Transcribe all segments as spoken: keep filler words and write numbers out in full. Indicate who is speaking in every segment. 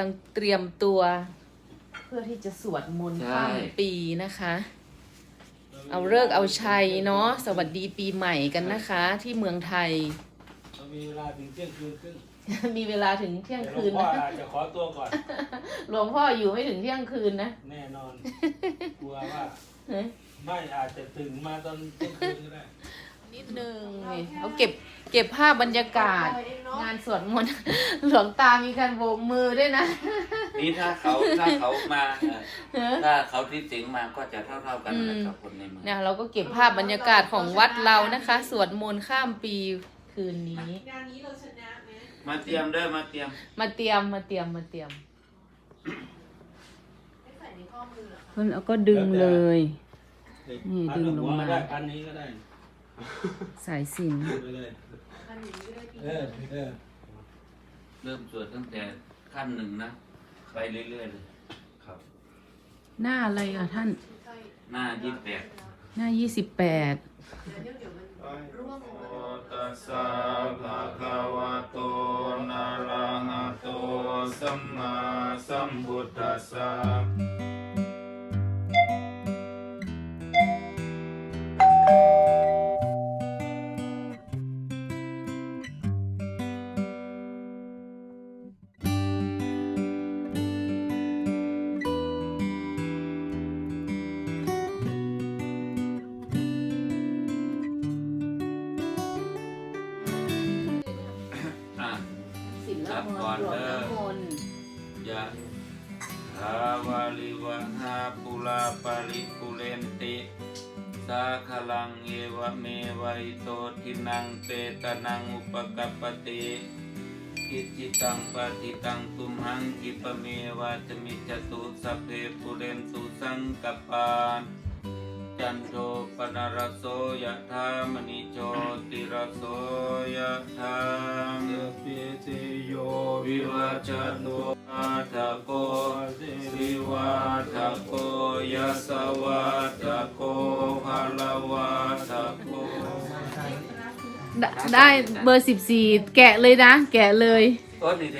Speaker 1: งเตรียมตัว เพื่อที่จะสวดมนต์ข้ามปีนะคะ เอาเลิกษ์เอาชัยเนาะสวัสดีปีใหม่กันนะคะ ที่เมืองไทย
Speaker 2: มีเวลาถึงเที่ยงคืนครึ่ง
Speaker 1: มีเวลาถึงเที่ยงคืน
Speaker 2: หลวงพ่อ
Speaker 1: นะ
Speaker 2: อาจจะขอตัวก่อน
Speaker 1: หลวงพ่ออยู่ไม่ถึงเที่ยงคืนนะ
Speaker 2: แน่นอน กลัวว่าไม่อาจจะถึงมาตอนเที่ยงคืนก็ได้
Speaker 1: นิดนึงนี่เขาเก็บเก็บภาพบรรยากาศ งานสวดมนต์ หลวงตามีการโบกมือด้วยนะ
Speaker 3: นี่ถ้าเขาถ้าเขามาเอ่อถ้าเขาที่สิงมาก็จะเท่าเท่าๆกันนะกับคนในเมือง
Speaker 1: เนี่ยเราก็เก็บภาพบรรยากาศของวัดเรานะคะ สวดมนต์ข้ามปีคืนนี้
Speaker 4: งานนี้เราชนะไหม
Speaker 3: มาเตรียมเด้อมาเตรียม
Speaker 1: มาเตรียมมาเตรียมมาเตรียม
Speaker 4: ไม่ใส่ในข้อมือเหรอคะ
Speaker 1: เพิ่นเอาก็ดึงเลย นี่ดึงลงมา
Speaker 2: ได้พันนี้ก็ได้
Speaker 1: สายสิญจน
Speaker 2: ไปเลย
Speaker 4: อันนี้ก็ได้ปี
Speaker 2: เออเออ
Speaker 3: เริ่มสวดตั้งแต่ขั้นหนึ่งนะไปเรื่อยๆเลยครับ
Speaker 1: หน้าอะไรอ่ะท่าน
Speaker 3: หน้ายี่สิบแปด
Speaker 1: หน้ายี่สิบแปด
Speaker 4: เดี๋ยวเดี๋ยวมันร่วงลงมา
Speaker 3: ตัสสะภะคะวะโตนะระหะโตสัมมาสัมพุทธัสสะ อ่ะ
Speaker 1: ศิล
Speaker 3: ครับ
Speaker 1: ม
Speaker 3: ก่อน
Speaker 1: นต์
Speaker 3: เด้อ
Speaker 1: น้ำมนต์
Speaker 3: ยะถาวาลิวหาปุราปาริปุเรนติสาคลังเอวะเมวัยโตทินังเปตนังอุปกัปปติกิจิตังปฏิตังตุมหังกิปะเมวะจมิจตุสัพเพปุเรนตุสังกปปาจันโทปนารโสยะธามณิโชติรโสยะธา
Speaker 2: เอปิติโย
Speaker 3: วิวัจจันโตอาทะโกสิวาทะโกยัสสวาทะโกภะละวาทะโก
Speaker 1: ได้ได้เบอร์สิบสี่แกะเลยนะ แกะเลย
Speaker 3: โอ้นี่ดิ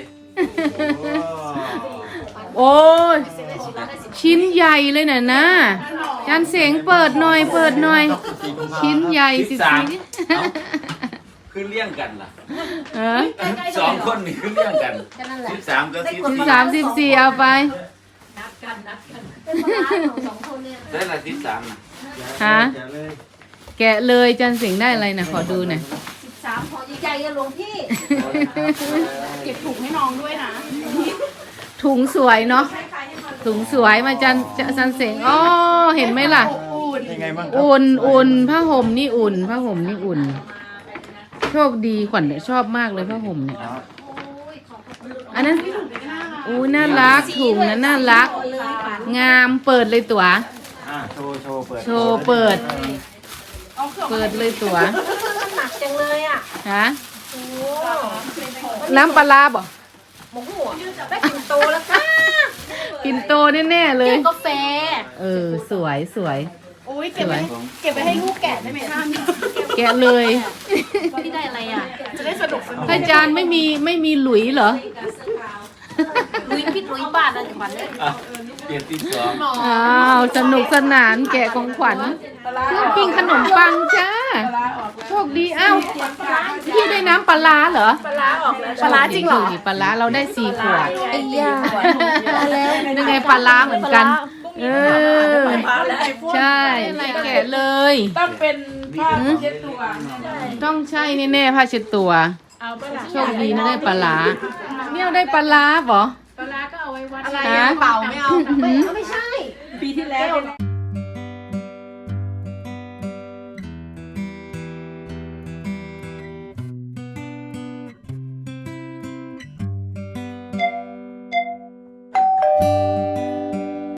Speaker 1: โอ้ยชิ้นใหญ่เลยน่ะนะจานเสียงเปิดหน่อยเปิดหน่อย ชิ้นใหญ่สิบสี่
Speaker 3: คือเลี้ยงกันล่ะ
Speaker 1: เออ
Speaker 3: สองคนนี่คือเลี้ยงกันสิบสามกับสิบ
Speaker 1: สิบ
Speaker 3: สี่
Speaker 1: สามสิบสี่เอาไป
Speaker 4: นับกันนับกันเป็นปลาร้าของสองคนเนี่ย
Speaker 3: ได้ละสิบสามนะ
Speaker 1: ฮะ แกะเลยจานเสียงได้อะไรนะขอดูหน่อย
Speaker 4: สิบสามพอใหญ่ๆกันหลวงพี่
Speaker 5: เก็บถุงให้น้องด้วยนะ
Speaker 1: ถุงสวยเนาะ
Speaker 4: คล้ายๆให้มัน
Speaker 1: ถุงสวยมาจันจันเสียงอ๋อเห็นไหมล่ะ
Speaker 2: ยังไงบ้าง
Speaker 1: อุ่นอุ่นผ้าห่มนี่อุ่นผ้าห่มนี่อุ่น โชคดีขวัญเนี่ยชอบมากเลยผ้าห่มเนี่ย
Speaker 4: โอ้ยของขอบคุณ
Speaker 1: อันนั้นอู้น่ารักถุงนั้นน่ารัก
Speaker 4: เลยค่ะ
Speaker 1: งามเปิดเลยตัว
Speaker 2: อ่าโชว์โชว์เปิด
Speaker 1: โชว์เปิด เปิดเลยตัว
Speaker 4: มันหนักจังเลยอ่ะ
Speaker 1: ฮะ
Speaker 4: โอ้
Speaker 1: น้ำปลาร้าบ่
Speaker 4: หมูหัวได้กินโตแล้วค่ะ
Speaker 1: ปิ่นโตแน่ๆเลย
Speaker 4: กาแฟ
Speaker 1: เออสวยสวย
Speaker 5: โอ้ยเก็บไปเก็บไปให้ลูกแกะได้ไหมท่าน
Speaker 1: แกะเลย
Speaker 4: พี่ได้อะไรอ่ะ
Speaker 5: จะได้สนุกสนุก
Speaker 1: พระอาจารย์ไม่มีไม่มีหลุยเหรอ
Speaker 4: ลุยพี่ลุยบาทอะไรขวัญเลย
Speaker 3: อ่ะเปลี่ยนที่สอง
Speaker 1: อ้าวสนุกสนานแกะของขวัญเครื่องปิ้งขนมปังจ้า โชคดีอ้าวพี่ได้น้ำปลาร้าเหรอ
Speaker 4: ปลาร้าออกแล้ว
Speaker 1: ปลาร้าจริงเหรอปลาร้าเราได้สี่ขวดไอ้ยาแล้วยังไงปลาร้าเหมือนกัน เออ ใช่แกะเลย
Speaker 5: ต้องเป็นผ้าเช็ดตัว
Speaker 1: ต้องใช่แน่ๆผ้าเช็ดตัว
Speaker 5: เอาไปละ
Speaker 1: โชคดีนะได้ปลาร้าเนี่ยได้ปลาร้าเหรอ
Speaker 5: ปลาร้าก็เอาไว้วัด
Speaker 4: อะไร
Speaker 1: ฮะ
Speaker 4: เป่าไม่เอาไม่ไม่ใช่
Speaker 5: ปีที่แล้ว